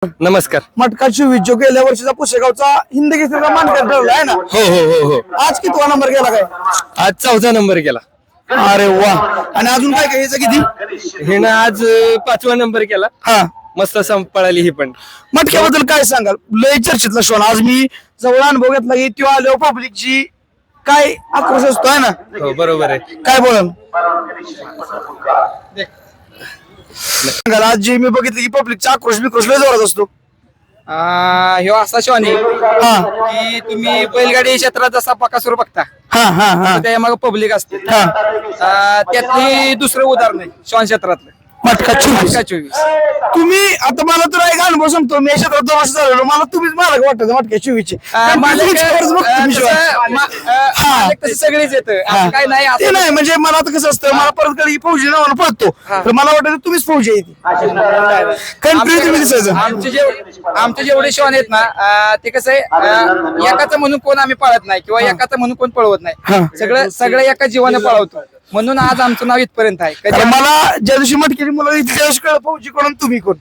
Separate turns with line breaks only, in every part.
नमस्कार.
मटका 24 जो गेल्या वर्षीचा पुसेगावचा हिंद केसरीचा मानकरी ठरला आहे ना.
हो हो हो हो.
आज कितवा नंबर गेला काय?
आज 4था नंबर गेला.
अरे वा. आणि अजून काय काय याचं किती?
हिनं आज 5वा नंबर केला.
हा
मस्त पळाली ही पण.
मटक्याबद्दल काय सांगाल? लय चर्चेतला शोन आज मी जवळ अनुभव घेतला की तो आल्यावर पब्लिकची काय आक्रोश असतो आहे ना.
हो बरोबर आहे.
काय बोलाल सांगाल? आज जे मी बघितलं की पब्लिकचा आक्रोश बिक्रोश लय जोरात असतो.
ह्यो असा शॉन आहे
हा
की तुम्ही बैलगाडी क्षेत्रात जसा बकासूर बघता
हा हा हा
त्या मागे पब्लिक असते.
हा
त्यातली दुसरं उदाहरण आहे शॉन क्षेत्रातलं
मटका 24.
24.
तुम्ही आता मला तर एक अनुभव सांगतो. मी या क्षेत्रात 2 वर्ष झालेलो. मला तुम्हीच मालक वाटत मटक्या 24 चे.
तसे सगळेच येतं असं काय नाही
ते नाही म्हणजे मला आता कसं असतं, मला परत कधी फौजी नावानं पळतो तर मला वाटतं तुम्हीच फौजी आहे ती. कंट्री तुम्ही दिसायचं.
आमचे जेवढे शॉन आहेत ना ते कसं आहे एकाचं म्हणून कोण आम्ही पळत नाही किंवा एकाचं म्हणून कोण पळवत
हा.
नाही. सगळं एका जीवाने पळवतो म्हणून आज आमचं नाव इथपर्यंत आहे.
तर मला ज्या दिवशी मटक्याची मुलं त्या दिवशी कळलं फौजी कोण आणि तुम्ही कोण.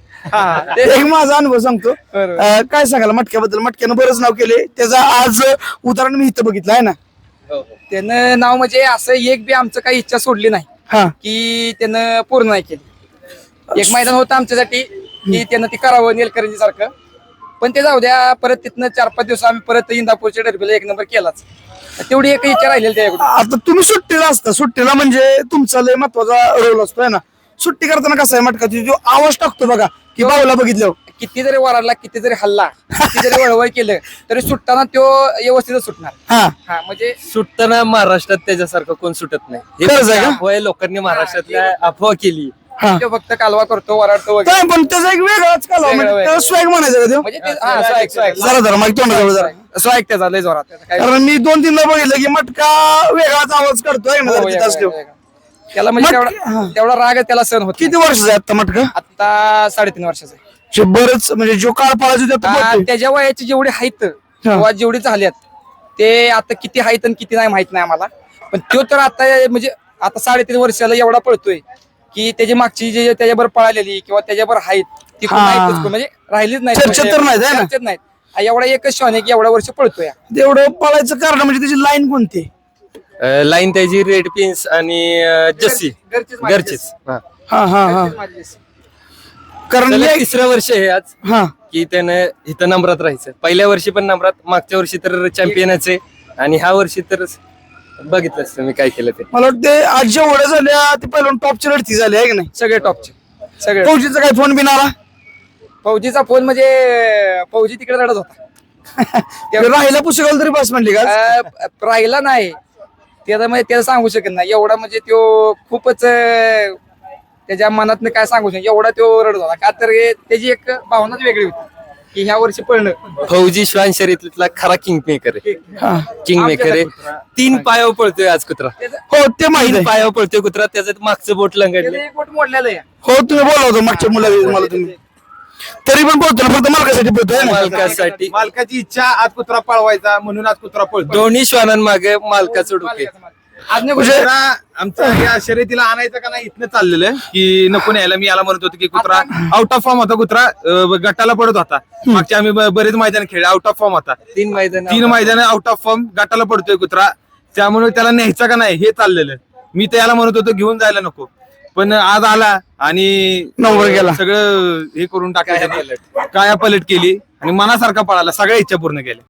एक माझा अनुभव सांगतो. काय सांगाल मटक्याबद्दल? मटक्यानं बरंच नाव केले. त्याचा आज उदाहरण मी इथं बघितलं आहे ना.
त्यानं नाव म्हणजे असं एक बी आमचं काही इच्छा सोडली नाही
हा
की त्यानं पूर्ण नाही केली. एक मैदान होतं आमच्यासाठी की त्यानं ते करावं नेलकरंजी सारखं, पण ते जाऊ द्या. परत तिथनं 4-5 दिवस आम्ही परत इंदापूरच्या डरबीला 1 नंबर केलाच. तेवढी एक इच्छा राहिलेली त्याकडून.
आता तुम्ही सुट्टीला असता. सुट्टीला म्हणजे तुमचा लय महत्वाचा रोल असतो आहे ना. सुट्टी करताना कसा आहे मटका जो आवाज टाकतो बघा की बावला बघितलं
किती जरी वराडला, किती जरी हल्ला, किती जरी वळवळ केलं तरी सुटताना तो व्यवस्थितच सुटणार.
हा
म्हणजे
सुटताना महाराष्ट्रात त्याच्यासारखं कोण सुटत नाही. हे
खरंच आहे
फक्त
का?
अफवा आहे. लोकांनी महाराष्ट्रातल्या अफवा केली.
हा
तो फक्त कालवा करतो, वराडतो वगैरे.
काय पण त्याचा एक वेगळाच कालवा म्हणजे
वेगळा.
त्याला स्वॅग म्हणायचं का त्यो?
म्हणजे ते स्वाग
जरा जरा माहिती तोंडाजवळ जरा.
त्याचा लय जोरात. त्याचा काय
कारण मी 2-3 ला बघितलं की मटका वेगळाच आवाज करतोय ना
हो,
तिथं असल्यावर.
त्याला म्हणजे
हा.
तेवढा राग त्याला सहन होत
किती वर्षाचा आहे आता मटका?
आता 3.5 वर्षाचा आहे.
जे बरंच म्हणजे जो काळ पाळायचा त्यात पळतोय.
त्याच्या वयाची जेवढे आहेत किंवा जेवढे झाल्यात ते आता किती आहेत आणि किती नाही माहित नाही आम्हाला. पण तो तर आता म्हणजे आता 3.5 वर्षाला एवढा पळतोय की त्याची मागची जे त्याच्याबरोबर पळालेली किंवा त्याच्याबरोबर आहेत ती कोण
हा.
नाहीतच कोण, म्हणजे राहिलीच नाही.
चर्चेत तर नाहीत, है ना?
चर्चेत नाहीत. एवढा एकच शॉन आहे की एवढ्या वर्ष पळतोय.
तेवढं पळायचं कारण म्हणजे त्याची लाईन कोणती?
लाईन त्याची रेड पिन्स आणि जस्सी
घरचीच माझी
घरचीच. हा.
हा हा हा
घरचीच माझी जशी.
कारण
त्याला
मी-
3रं वर्ष आहे आज
हा
की त्यानं इथं नंबरात राहायचं. पहिल्या वर्षी पण नंबरात, मागच्या वर्षी तर चॅम्पियनच आहे आणि ह्या वर्षी तर बघितलंच तुम्ही काय केलं ते.
मला वाटतं आज जेवढ्या झाल्या ते पहिलं टॉपची लढती झाली आहे की नाही.
सगळे टॉपचे सगळे.
फौजीचा काय फोन बिन आला?
फौजीचा फोन म्हणजे फौजी तिकडे रडत होता.
राहिला पुस्तकाला तरी बस म्हणली का?
राहिला नाही त्याचा म्हणजे त्याला सांगू शकत नाही एवढा. म्हणजे तो खूपच त्याच्या मनातनं काय सांगू शकत एवढा तो रडत होता. का तर त्याची एक भावनाच वेगळी होती की ह्या वर्षी पळणं.
फौजी श्वान शर्यतीतला खरा किंग मेकर आहे.
हा.
किंग मेकर आहे. 3 पायावर पळतोय आज कुत्रा.
हो ते माहिती
3
आहे.
पायावर पळतोय कुत्रा. त्याचं मागचं बोट लंगडलं.
त्याचं एक बोट मोडलेलं आहे.
हो तुम्ही बोला होता मागच्या मुलाला मला तुम्ही. तरी पण बोलतो ना फक्त मालकासाठी बोलतोय ना.
मालकासाठी
मालकाची इच्छा आज कुत्रा पळवायचा म्हणून आज कुत्रा पळतो.
दोन्ही श्वानांमागे मालकाचं डोके.
आज नाही
म्हणजे-
कुठे-
कुत्रा आमच्या या शर्यतीला आणायचं का नाही इथनं चाललेलं की नको न्यायला. मी याला म्हणत होतो की कुत्रा आउट ऑफ फॉर्म होता. कुत्रा गटाला पडत होता. मागच्या आम्ही बरेच मैदान खेळले. आउट ऑफ फॉर्म होता.
3 मैदान
3 मैदान आउट ऑफ फॉर्म गटाला पडतोय कुत्रा. त्यामुळे त्याला न्यायचा का नाही हे चाललेलं. मी त्याला म्हणत होतो घेऊन जायला नको, पण आज आला आणि
नंबर गेला.
सगळं हे करून टाकलं. काया पलट केली आणि मनासारखा पळाला. सगळ्या इच्छा पूर्ण केल्या.